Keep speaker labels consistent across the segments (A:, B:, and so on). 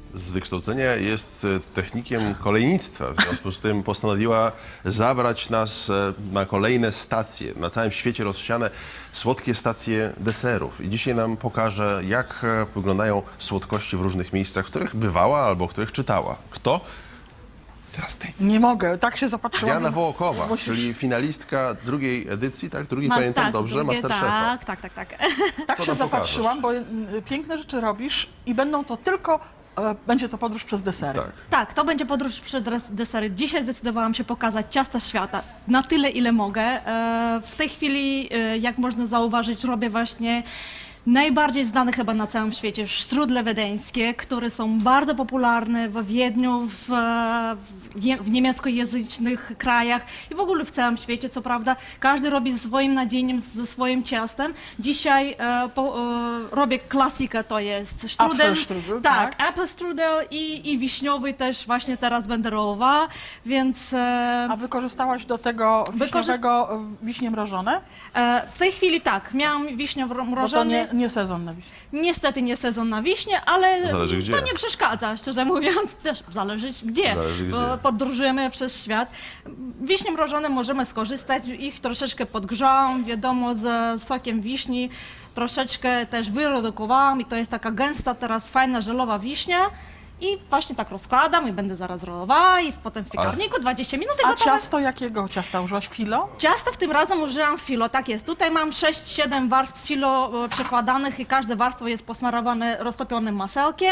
A: z wykształcenia jest technikiem kolejnictwa. W związku z tym postanowiła zabrać nas na kolejne stacje, na całym świecie rozsiane słodkie stacje deserów. I dzisiaj nam pokaże, jak wyglądają słodkości w różnych miejscach, w których bywała albo w których czytała. Kto? Teraz ty.
B: Nie mogę, tak się zapatrzyłam.
A: Diana Wołokowa,
B: Musisz-
A: czyli finalistka drugiej edycji, tak? Drugiej pamiętam
C: tak,
A: dobrze,
C: drugie,
A: Masterchefa.
C: tak.
B: Tak
A: Co
B: się
A: nam
B: zapatrzyłam, bo piękne rzeczy robisz i będą to tylko, będzie to podróż przez desery.
A: Tak.
C: Tak, to będzie podróż przez desery. Dzisiaj zdecydowałam się pokazać ciasta świata na tyle, ile mogę. W tej chwili, jak można zauważyć, robię właśnie najbardziej znane chyba na całym świecie sztrudle wiedeńskie, które są bardzo popularne w Wiedniu, w niemieckojęzycznych krajach i w ogóle w całym świecie, co prawda. Każdy robi ze swoim nadzieniem, ze swoim ciastem. Dzisiaj robię klasykę, to jest strudel.
B: Apfelstrudel,
C: Tak,
B: tak.
C: apfelstrudel i wiśniowy też właśnie teraz będę rolowała, więc
B: A wykorzystałaś do tego wiśniowego wiśnie mrożone?
C: w tej chwili tak, miałam wiśnie
B: Bo to
C: mrożone.
B: nie sezon na wiśnie.
C: Niestety nie sezon na wiśnie, ale
A: Zależy gdzie.
C: to nie przeszkadza, szczerze mówiąc. Też zależy gdzie.
A: Zależy gdzie.
C: Bo podróżujemy przez świat. Wiśnie mrożone możemy skorzystać, ich troszeczkę podgrzałam, wiadomo, z sokiem wiśni. Troszeczkę też wyredukowałam i to jest taka gęsta, teraz fajna, żelowa wiśnia. I właśnie tak rozkładam i będę zaraz rolowała i potem w piekarniku 20 minut i
B: A
C: gotowe.
B: ciasto jakiego ciasta użyłaś? Filo?
C: Ciasto w tym razem użyłam filo, tak jest. Tutaj mam 6-7 warstw filo przekładanych i każde warstwo jest posmarowane roztopionym masełkiem.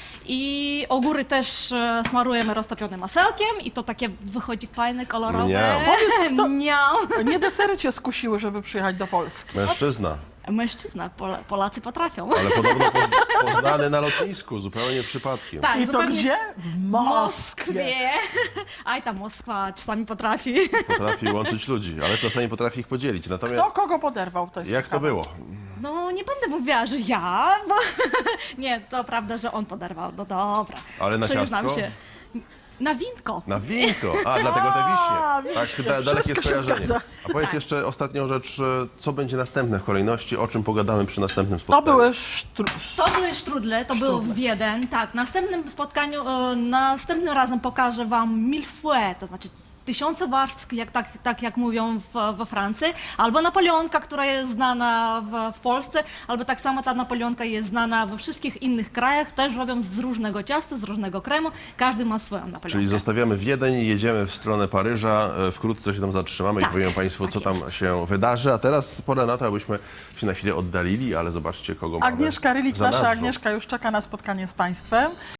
C: I ogóry też smarujemy roztopionym masełkiem i to takie wychodzi fajne, kolorowe.
A: Miau.
B: Powiedz, kto-
C: Miau.
B: Nie desery cię skusiły, żeby przyjechać do Polski.
A: Mężczyzna,
C: Mężczyzna, Polacy potrafią.
A: ale podobno poznany na lotnisku, zupełnie przypadkiem.
C: Tak,
B: I to
C: zupełnie-
B: gdzie? W Moskwie.
C: Aj, ta Moskwa czasami potrafi.
A: Potrafi łączyć ludzi, ale czasami potrafi ich podzielić. Natomiast
B: Kto kogo poderwał? To jest
A: jak to
B: ciekawe.
A: było?
C: No, nie będę mówiła, że ja, bo nie, to prawda, że on poderwał, no dobra.
A: Ale na
C: Przyznam
A: ciastko?
C: się. Na winko.
A: Na winko. A, dlatego te wiśnie. Tak,
B: wiśnie.
A: dalekie
B: Wszystko się
A: skojarzenie.
B: zgadza.
A: A powiedz
C: Tak.
A: jeszcze ostatnią rzecz, co będzie następne w kolejności, o czym pogadamy przy następnym
B: To
A: spotkaniu.
B: były
C: To były sztrudle, to był Wiedeń. Tak, w następnym spotkaniu, następnym razem pokażę Wam millefeuille, to znaczy tysiące warstw, tak jak mówią we Francji, albo napoleonka, która jest znana w Polsce, albo tak samo ta napoleonka jest znana we wszystkich innych krajach, też robią z różnego ciasta, z różnego kremu, każdy ma swoją napoleonkę.
A: Czyli zostawiamy Wiedeń i jedziemy w stronę Paryża. Wkrótce się tam zatrzymamy
C: Tak,
A: i powiemy Państwu,
C: tak
A: co tam
C: jest.
A: się wydarzy. A teraz pora na to, abyśmy się na chwilę oddalili, ale zobaczcie, kogo mamy
B: Agnieszka Rylik,
A: w
B: nasza
A: zanadrzu.
B: Agnieszka już czeka na spotkanie z Państwem.